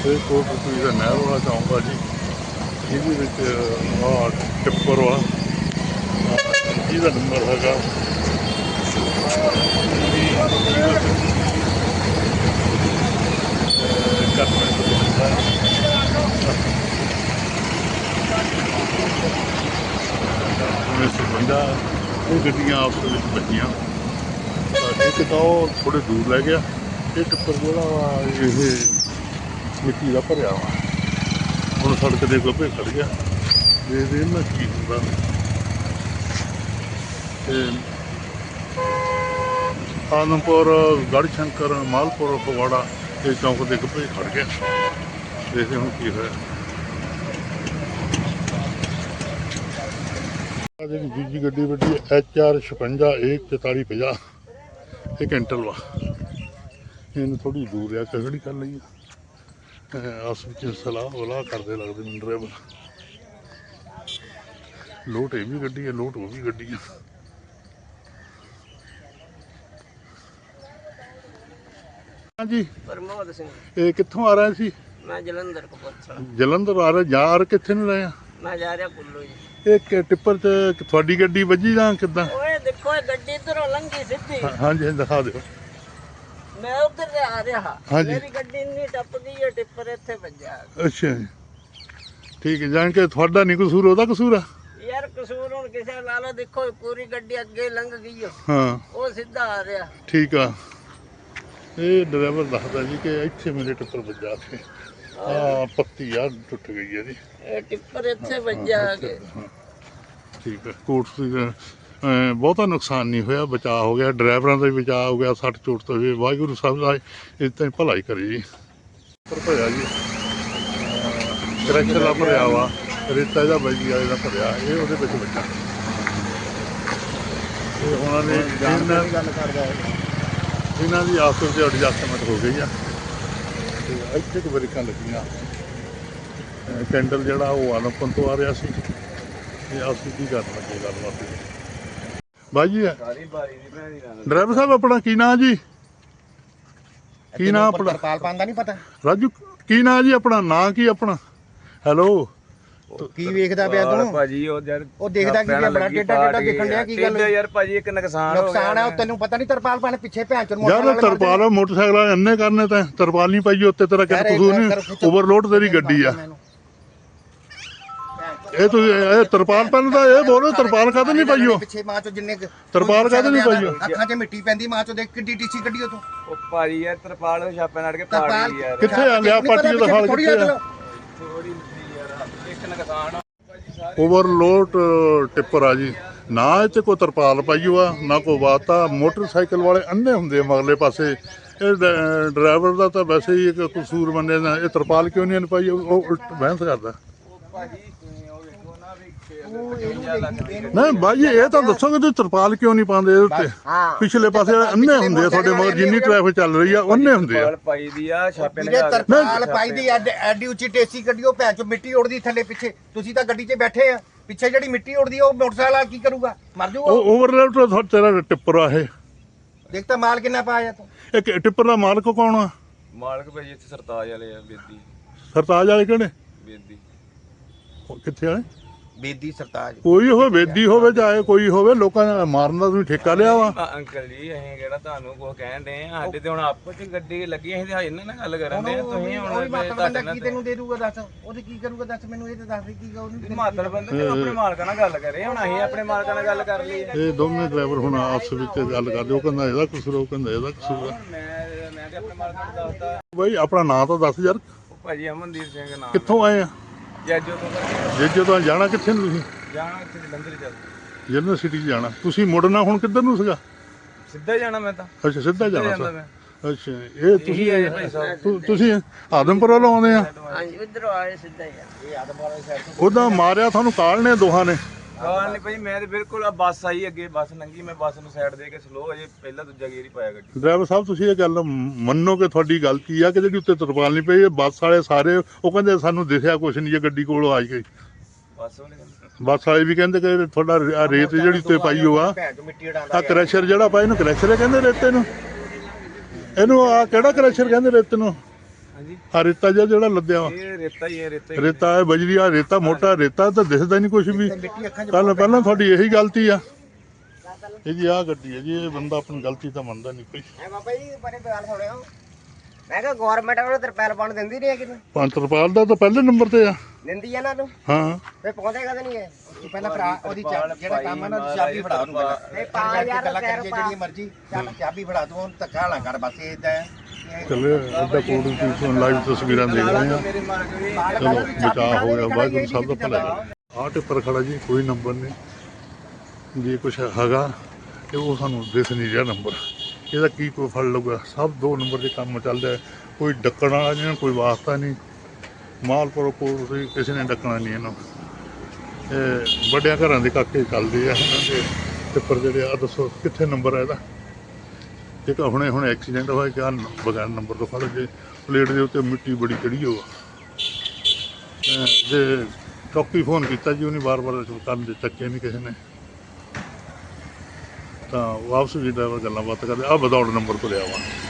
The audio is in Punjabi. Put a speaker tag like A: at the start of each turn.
A: ਇਹ ਕੋਟਕਪੂਰੇ ਦਾ ਨਹਿਰ ਵਾਲਾ ਚੌਂਕ ਆ ਜੀ। ਇਹਦੇ ਵਿੱਚ ਟਿੱਪਰ ਵਾ ਜਿਹਦਾ ਨੰਬਰ ਹੈਗਾ ਬੰਦਾ। ਇਹ ਗੱਡੀਆਂ ਆਪਸ ਵਿੱਚ ਵੱਜੀਆਂ। ਇੱਕ ਤਾਂ ਉਹ ਥੋੜ੍ਹੇ ਦੂਰ ਲੈ ਗਿਆ। ਇਹ ਟਿੱਪਰ ਜਿਹੜਾ ਵਾ ਇਹ ਮਿੱਟੀ ਦਾ ਭਰਿਆ ਵਾ। ਹੁਣ ਸੜਕ ਦੇ ਗੱਭੇ ਖੜ ਗਿਆ। ਦੇਖਦੇ ਨਾ ਕੀ ਹੁੰਦਾ। ਆਦਮਪੁਰ, ਗੜ੍ਹਸ਼ੰਕਰ, ਮਾਲਪੁਰ, ਫਗਵਾੜਾ ਇਹ ਚੌਂਕ ਦੇ ਗੱਭੇ ਖੜ ਗਿਆ। ਦੇਖਦੇ ਹੁਣ ਕੀ ਹੋਇਆ। ਜਿਹੜੀ ਦੂਜੀ ਗੱਡੀ ਵੱਡੀ HR 56 A4450 ਇਹ ਕੈਂਟਲ ਵਾ। ਇਹਨੂੰ ਥੋੜ੍ਹੀ ਦੂਰ ਆ ਕੇ ਖੜੀ ਕਰ ਲਈ। ਆਸ ਵਿੱਚ ਸਲਾਹ ਕਰਦੇ ਲੱਗਦੇ ਮੈਨੂੰ ਡਰਾਈਵਰ। ਲੋਟ ਇਹ ਵੀ ਗੱਡੀ ਹੈ, ਲੋਟ ਉਹ ਵੀ ਗੱਡੀ ਆ। ਹਾਂਜੀ
B: ਪ੍ਰਮੋਦ ਸਿੰਘ।
A: ਇਹ ਕਿੱਥੋਂ ਆ ਰਹੇ ਸੀ?
B: ਮੈਂ ਜਲੰਧਰ ਕਪੂਰਥਲਾ।
A: ਜਲੰਧਰ ਆ ਰਹੇ। ਜਾ ਕਿੱਥੇ ਨੂੰ ਰਹੇ ਆ?
B: ਮੈਂ ਜਾ ਰਿਹਾ ਕੁੱਲੂ ਜੀ।
A: ਇਹ ਟਿੱਪਰ 'ਚ ਤੁਹਾਡੀ ਗੱਡੀ ਵੱਜੀ ਜਾਂ ਕਿੱਦਾਂ?
B: ਓਏ ਦੇਖੋ ਇਹ ਗੱਡੀ ਇੱਧਰੋਂ ਲੰਘੀ ਸਿੱਧੀ।
A: ਹਾਂਜੀ ਦਿਖਾ ਦਿਓ।
B: ਮੈਂ ਉੱਧਰ ਤੇ ਆ ਰਿਹਾ। ਮੇਰੀ ਗੱਡੀ ਇੰਨੀ ਟੱਪ ਗਈ ਹੈ, ਟਿੱਪਰ ਇੱਥੇ ਵੱਜਾ।
A: ਅੱਛਾ ਜੀ, ਠੀਕ ਹੈ। ਜਾਣ ਕੇ ਤੁਹਾਡਾ ਨਹੀਂ ਕਸੂਰ, ਉਹਦਾ ਕਸੂਰ ਆ
B: ਯਾਰ। ਕਸੂਰ ਹੁਣ ਕਿਸੇ ਲਾ ਲਓ। ਦੇਖੋ ਪੂਰੀ ਗੱਡੀ ਅੱਗੇ ਲੰਘ ਗਈ ਹੈ।
A: ਹਾਂ
B: ਉਹ ਸਿੱਧਾ ਆ ਰਿਹਾ।
A: ਠੀਕ ਆ। ਇਹ ਡਰਾਈਵਰ ਦੱਸਦਾ ਜੀ ਕਿ ਇੱਥੇ ਮੇਰੇ ਟਿੱਪਰ ਵੱਜਾ ਕੇ ਪੱਤੀ ਆ ਟੁੱਟ ਗਈ ਹੈ ਜੀ।
B: ਇਹ ਟਿੱਪਰ ਇੱਥੇ ਵੱਜਾ ਆ ਕੇ।
A: ਠੀਕ ਹੈ। ਕੋਟ ਬਹੁਤਾ ਨੁਕਸਾਨ ਨਹੀਂ ਹੋਇਆ, ਬਚਾਅ ਹੋ ਗਿਆ। ਡਰਾਈਵਰਾਂ ਦਾ ਵੀ ਬਚਾਅ ਹੋ ਗਿਆ। ਸੱਟ ਚੋਟ ਤੋਂ ਵੀ ਵਾਹਿਗੁਰੂ ਸਾਹਿਬ ਦਾ ਇੱਦਾਂ ਹੀ ਭਲਾਈ ਕਰੀ ਜੀ। ਭਰਿਆ ਜੀ ਕਰੈਕਟਰ ਦਾ ਭਰਿਆ ਵਾ। ਰੇਤਾ ਇਹਦਾ ਬਾਈ ਵਾਲੇ ਦਾ ਭਰਿਆ। ਇਹ ਉਹਦੇ ਵਿੱਚ ਵੱਜਾ। ਇਹ ਉਹਨਾਂ ਨੇ ਗੱਲ ਕਰਦਾ ਇਹਨਾਂ ਦੀ ਆਪਸ ਵਿੱਚ ਐਡਜਸਟਮੈਂਟ ਹੋ ਗਈ ਆ। ਤੇ ਇੱਥੇ ਕੁ ਬ੍ਰੇਕਾਂ ਲੱਗੀਆਂ। ਕੈਂਡਲ ਜਿਹੜਾ ਉਹ ਆਲਮਪੁਰ ਤੋਂ ਆ ਰਿਹਾ ਸੀ। ਤੇ ਅਸੀਂ ਕੀ ਕਰਨ ਲੱਗੇ ਗੱਲਬਾਤ ਬਾਈ ਜੀ। ਡਰਾਈਵਰ ਸਾਹਿਬ ਆਪਣਾ ਕੀ ਨਾਂ ਜੀ? ਕੀ ਨਾਂ ਆਪਣਾ?
C: ਤਰਪਾਲ ਪਾਉਂਦਾ ਨਹੀਂ ਪਤਾ।
A: ਰਾਜੂ ਕੀ ਨਾਂ ਜੀ ਆਪਣਾ? ਨਾਂ ਕੀ ਆਪਣਾ? ਹੈਲੋ
C: ਕੀ ਵੇਖਦਾ ਪਿਆ ਤੂੰ
D: ਭਾਜੀ? ਉਹ ਯਾਰ
C: ਉਹ ਦੇਖਦਾ ਕੀ ਪਿਆ? ਬੜਾ ਟੇਡਾ ਦੇਖਣ ਡਿਆ। ਕੀ ਗੱਲ
D: ਯਾਰ ਭਾਜੀ? ਇੱਕ ਨੁਕਸਾਨ
C: ਹੈ। ਉਹ ਤੈਨੂੰ ਪਤਾ ਨਹੀਂ ਤਰਪਾਲ ਪਾਣੇ ਪਿੱਛੇ ਭੈਣ ਚੋਂ
A: ਯਾਰ ਤਰਪਾਲ ਮੋਟਰਸਾਈਕਲ ਇੰਨੇ ਕਰਨੇ ਤਾਂ ਤਰਪਾਲ ਨਹੀਂ ਪਾਈ ਉੱਤੇ। ਤੇਰਾ ਕਿਤੇ ਕਸੂਰ ਨਹੀਂ। ਓਵਰਲੋਡ ਤੇਰੀ ਗੱਡੀ ਆ। ਇਹ ਤੁਸੀਂ ਇਹ ਤਰਪਾਲ ਪਹਿਲਾਂ ਤਾਂ ਇਹ ਬੋਲੋ ਤਰਪਾਲ ਕਾਹਦੇ ਨਹੀਂ ਪਾਈ? ਉਹ
C: ਪਿੱਛੇ ਮਾਂ ਚੋਂ ਜਿੰਨੇ
A: ਤਰਪਾਲ ਕਾਹਦੇ ਨਹੀਂ ਪਾਈ?
C: ਅੱਖਾਂ 'ਚ ਮਿੱਟੀ ਪੈਂਦੀ ਮਾਂ ਚੋਂ। ਦੇਖ ਕਿੱਡੀ ਟੀਸੀ ਕੱਢੀ ਉਹ ਤੂੰ।
D: ਉਹ ਭਾਜੀ ਯਾਰ ਤਰਪਾਲ ਛਾਪੇ ਨਾਲ ਕੇ ਪਾੜ ਗਈ ਯਾਰ।
A: ਕਿੱਥੇ ਆ ਲਿਆ ਪਾਟੀ ਦਾ ਹਾਲ? ਕਿੱਥੇ ਆ?
D: ਥੋੜੀ ਯਾਰ ਇੱਕ ਨੁਕਸਾਨ
A: ਓਵਰਲੋਡ ਟਿੱਪਰ ਆ ਜੀ। ਨਾ ਇਹ 'ਚ ਕੋਈ ਤਰਪਾਲ ਪਾਈ ਆ ਨਾ ਕੋਈ ਵਾਤਾ। ਮੋਟਰਸਾਈਕਲ ਵਾਲੇ ਅੰਨੇ ਹੁੰਦੇ ਮਗਲੇ ਪਾਸੇ। ਇਹ ਡਰਾਈਵਰ ਦਾ ਤਾਂ ਵੈਸੇ ਹੀ ਇੱਕ ਕਸੂਰ ਮੰਨਿਆ ਨਾ। ਇਹ ਤਰਪਾਲ ਕਿਉਂ ਨਹੀਂ ਪਾਈ? ਉਹ ਉਲਟ ਬਹਿਸ ਕਰਦਾ। ਨਹੀਂ ਬਾਈ ਇਹ ਤਾਂ ਦੱਸੋਗੇ ਤੁਸੀਂ ਤਰਪਾਲ ਕਿਉਂ ਨਹੀਂ ਪਾਉਂਦੇ ਇਹਦੇ ਉੱਤੇ? ਪਿਛਲੇ ਪਾਸੇ ਅੰਨੇ ਹੁੰਦੇ ਆ ਤੁਹਾਡੇ ਮਗਰ। ਜਿੰਨੀ ਟ੍ਰੈਫਿਕ ਚੱਲ ਰਹੀ ਆ ਉਹਨੇ ਹੁੰਦੇ ਆ।
D: ਪਾਈ ਦੀ ਆ ਛਾਪੇ ਨਾਲ।
C: ਤਰਪਾਲ ਪਾਈ ਦੀ ਐਡੀ ਉੱਚੀ ਟੇਸੀ ਕੱਢੀ। ਉਹ ਭੈਣ ਚੋਂ ਮਿੱਟੀ ਉੜਦੀ ਥੱਲੇ ਪਿੱਛੇ। ਤੁਸੀਂ ਤਾਂ ਗੱਡੀ 'ਚ ਬੈਠੇ ਆ। ਪਿੱਛੇ ਜਿਹੜੀ ਮਿੱਟੀ ਉੜਦੀ ਉਹ ਮੋਟਰਸਾਈਕਲ ਵਾਲਾ ਕੀ ਕਰੂਗਾ? ਮਰ ਜਾਊਗਾ।
A: ਓਵਰਲੋਡ ਤੇਰਾ ਟਿੱਪਰ ਆ ਇਹ।
C: ਦੇਖ ਤਾਂ ਮਾਲ ਕਿੰਨਾ ਪਾਇਆ ਤੂੰ।
A: ਇਹ ਟਿੱਪਰ ਦਾ ਮਾਲਕ ਕੌਣ ਆ?
D: ਮਾਲਕ ਭਾਜੀ ਇੱਥੇ ਸਰਤਾਜ ਵਾਲੇ ਆ। ਬੇਦੀ
A: ਸਰਤਾਜ ਵਾਲੇ ਕਿਹੜੇ?
D: ਬੇਦੀ
A: ਕਿੱਥੇ ਵਾਲੇ?
C: ਬੇਦੀ ਸਰਤਾਜ।
A: ਕੋਈ ਹੋਵੇ ਬੇਦੀ ਹੋਵੇ ਚਾਹੇ ਕੋਈ ਹੋਵੇ। ਲੋਕਾਂ ਦਾ ਮਾਰਨ ਦਾ ਤੁਸੀਂ ਠੇਕਾ ਲਿਆ ਵਾ।
D: ਅੰਕਲ ਜੀ ਅਸੀਂ ਕਿਹੜਾ ਤੁਹਾਨੂੰ ਕੁਝ ਕਹਿਣ ਦੇ ਆ? ਸਾਡੇ ਤੇ ਹੁਣ ਆਪੋ ਚ ਗੱਡੀ ਲੱਗੀ। ਅਸੀਂ ਤੇ ਇਹਨਾਂ ਨਾਲ ਗੱਲ ਕਰਨ ਦੇ ਆ। ਤੁਸੀਂ ਹੁਣ
C: ਬੰਦਾ ਕੀ ਤੈਨੂੰ ਦੇ ਦੂਗਾ ਦੱਸ? ਉਹਦੇ ਕੀ ਕਰੂਗਾ ਦੱਸ ਮੈਨੂੰ? ਇਹ ਤਾਂ ਦੱਸ ਦੇ ਕੀ ਕਹੂਗਾ।
D: ਮਾਤਰ ਬੰਦੇ ਆਪਣੇ ਮਾਲਕਾਂ ਨਾਲ ਗੱਲ ਕਰੇ। ਹੁਣ ਅਸੀਂ ਆਪਣੇ ਮਾਲਕਾਂ ਨਾਲ ਗੱਲ ਕਰ ਲਈ।
A: ਇਹ ਦੋਵੇਂ ਡਰਾਈਵਰ ਹੁਣ ਆਪਸ ਵਿੱਚ ਗੱਲ ਕਰਦੇ। ਉਹ ਕਹਿੰਦਾ ਇਹਦਾ ਕਸੂਰ, ਉਹ ਕਹਿੰਦਾ ਇਹਦਾ ਕਸੂਰ ਆ।
D: ਮੈਂ ਤੇ ਆਪਣੇ ਮਾਲਕਾਂ ਨੂੰ ਦੱਸਦਾ।
A: ਬਾਈ ਆਪਣਾ ਨਾਂ ਤਾਂ ਦੱਸ ਯਾਰ।
D: ਭਾਜੀ ਅਮਨਦੀਪ ਸਿੰਘ ਨਾਮ।
A: ਕਿੱਥੋਂ ਆਏ ਆ?
D: ਜੱਜੋ ਤੋਂ
A: ਜੇ ਤੋਂ ਜਾਣਾ ਕਿੱਥੇ ਨੂੰ ਤੁਸੀਂ?
D: ਜਾਣਾ ਇੱਥੇ ਜਲੰਧਰ ਚੱਲ।
A: ਯੂਨੀਵਰਸਿਟੀ 'ਚ ਜਾਣਾ। ਤੁਸੀਂ ਮੁੜਨਾ ਹੁਣ ਕਿੱਧਰ ਨੂੰ ਸੀਗਾ?
D: ਸਿੱਧਾ ਜਾਣਾ ਮੈਂ ਤਾਂ।
A: ਅੱਛਾ ਸਿੱਧਾ ਜਾਣਾ
D: ਜਾਂਦਾ
A: ਸੀ।
D: ਮੈਂ।
A: ਅੱਛਾ ਇਹ ਤੁਸੀਂ ਆਦਮਪੁਰ ਵੱਲੋਂ ਆਉਂਦੇ ਆ?
B: ਹਾਂਜੀ ਇੱਧਰੋਂ ਆਏ ਸਿੱਧਾ ਹੀ ਆ। ਇਹ ਆਦਮਪੁਰ ਵਾਲੀ ਸਾਈਡ ਤੋਂ।
A: ਉਹਦਾ ਮਾਰਿਆ ਤੁਹਾਨੂੰ ਕਾਲ ਨੇ ਦੋਹਾਂ ਨੇ?
D: ਹਾਂ ਨਹੀਂ ਭਾਈ ਮੈਂ ਤੇ ਬਿਲਕੁਲ ਆ ਬੱਸ ਆਈ ਅੱਗੇ। ਬੱਸ ਲੰਘੀ। ਮੈਂ ਬੱਸ ਨੂੰ ਸਾਈਡ ਦੇ ਕੇ ਸਲੋ ਅਜੇ ਪਹਿਲਾਂ ਦੂਜਾ ਗੇਰ ਹੀ ਪਾਇਆ ਗੱਡੀ।
A: ਡਰਾਈਵਰ ਸਾਹਿਬ ਤੁਸੀਂ ਇਹ ਗੱਲ ਮੰਨੋ ਕਿ ਤੁਹਾਡੀ ਗਲਤੀ ਆ ਕਿ ਜਿਹੜੀ ਉੱਤੇ ਤਰਪਾਲ ਨਹੀਂ ਪਈ? ਬੱਸ ਵਾਲੇ ਸਾਰੇ ਉਹ ਕਹਿੰਦੇ ਸਾਨੂੰ ਦਿਖਿਆ ਕੁਛ ਨਹੀਂ ਜੇ ਗੱਡੀ ਕੋਲੋਂ ਆ ਗਈ।
D: ਬੱਸ ਵਾਲੇ
A: ਬੱਸ ਵਾਲੇ ਵੀ ਕਹਿੰਦੇ ਕਿ ਤੁਹਾਡਾ ਰੇਤ ਜਿਹੜੀ ਉੱਤੇ ਪਾਈ ਹੋ ਆ ਕਰੈਸ਼ਰ ਜਿਹੜਾ ਪਾਇਆ ਇਹਨੂੰ ਕਰੈਸ਼ਰ ਕਹਿੰਦੇ ਰੇਤੇ ਨੂੰ। ਇਹਨੂੰ ਆ ਕਿਹੜਾ ਕਰੈਸ਼ਰ ਕਹਿੰਦੇ ਰੇਤੇ ਨੂੰ?
D: ਹਾਂਜੀ
A: ਆ ਰੇਤਾ ਜਿਹੜਾ ਲੱਦਿਆ ਵਾ
D: ਇਹ ਰੇਤਾ ਹੀ ਹੈ
A: ਰੇਤਾ ਹੈ ਬਜਰੀ ਆ ਰੇਤਾ ਮੋਟਾ ਰੇਤਾ ਤਾਂ ਦਿਖਦਾ ਨਹੀਂ ਕੁਝ ਵੀ ਪਹਿਲਾਂ ਤੁਹਾਡੀ ਇਹੀ ਗਲਤੀ ਆ ਇਹ ਜੀ ਆ ਗੱਡੀ ਹੈ ਜੀ ਇਹ ਬੰਦਾ ਆਪਣੀ ਗਲਤੀ ਤਾਂ ਮੰਨਦਾ ਨਹੀਂ ਕੋਈ
C: ਬਾਬਾ ਜੀ ਬੜੇ ਗੱਲ ਸੁਣਿਓ ਮੈਂ ਕਿਹਾ ਗਵਰਨਮੈਂਟ ਉਹਨੂੰ ਤਰਪਾਲ ਪਾਉਣ ਦਿੰਦੀ ਨਹੀਂ ਹੈ ਕਿਨੂੰ
A: ਪੰਤਰਪਾਲ ਦਾ ਤਾਂ ਪਹਿਲੇ ਨੰਬਰ ਤੇ ਆ
C: ਦਿੰਦੀ ਹੈ ਨਾ ਨੂੰ
A: ਹਾਂ
C: ਫੇ ਪਹੁੰਚੇ ਕਦੇ ਨਹੀਂ ਹੈ ਪਹਿਲਾਂ ਭਰਾ ਉਹਦੀ ਜਿਹੜਾ ਕੰਮ ਹੈ ਨਾ ਉਹਦੀ ਚਾਬੀ ਫੜਾ ਉਹਨੂੰ ਪਹਿਲਾਂ ਨਹੀਂ ਪਾ ਯਾਰ ਗੱਲਾਂ ਕਰੀਏ ਜਿਹੜੀ ਮਰਜ਼ੀ ਚਾਬੀ ਫੜਾ ਤੂੰ ਉਹਨੂੰ ਧੱਕਾ ਨਾ ਕਰ ਬਸ ਇਦਾਂ ਹੈ
A: ਚਲੇ ਉਹਦਾ ਕੋਡ ਦੀ ਲਾਈਵ ਤਸਵੀਰਾਂ ਦੇਖ ਰਹੇ ਆ ਚਲੋ ਬਚਾਅ ਹੋ ਗਿਆ ਵਾਹਿਗੁਰੂ ਸਭ ਦਾ ਭਲਾ ਆਹ ਟਿੱਪਰ ਖੜਾ ਜੀ ਕੋਈ ਨੰਬਰ ਨਹੀਂ ਜੇ ਕੁਛ ਹੈਗਾ ਤੇ ਉਹ ਸਾਨੂੰ ਦਿਸ ਨਹੀਂ ਰਿਹਾ ਨੰਬਰ ਇਹਦਾ ਕੀ ਕੋਈ ਫੜ ਲਊਗਾ ਸਭ 2 ਨੰਬਰ ਦੇ ਕੰਮ ਚੱਲਦਾ ਕੋਈ ਡੱਕਣ ਵਾਲਾ ਨਹੀਂ ਕੋਈ ਵਾਸਤਾ ਨਹੀਂ ਮਾਲਪੁਰ ਕੋਲ ਕਿਸੇ ਨੇ ਡੱਕਣਾ ਨਹੀਂ ਇਹਨੂੰ ਇਹ ਵੱਡਿਆਂ ਘਰਾਂ ਦੇ ਕਾਕੇ ਚੱਲਦੇ ਆ ਇਹਨਾਂ ਦੇ ਟਿੱਪਰ ਜਿਹੜੇ ਆ ਦੱਸੋ ਕਿੱਥੇ ਨੰਬਰ ਹੈ ਇਹਦਾ ਇੱਕ ਹੁਣੇ ਐਕਸੀਡੈਂਟ ਹੋਇਆ ਕਿ ਬਗੈਰ ਨੰਬਰ ਤੋਂ ਫੜ ਕੇ ਪਲੇਟ ਦੇ ਉੱਤੇ ਮਿੱਟੀ ਬੜੀ ਚੜੀ ਹੋ ਜੇ ਚੌਕੀ ਫੋਨ ਕੀਤਾ ਜੀ ਉਹਨੇ ਵਾਰ-ਵਾਰ ਕਰਨ ਦੇ ਚੱਕੇ ਨਹੀਂ ਕਿਸੇ ਨੇ ਤਾਂ ਵਾਪਸ ਵੀ ਡਰਾਈਵਰ ਗੱਲਾਂ ਬਾਤ ਕਰਦੇ ਆ ਵਿਦਆਊਟ ਨੰਬਰ ਤੋਂ ਲਿਆ ਵਾ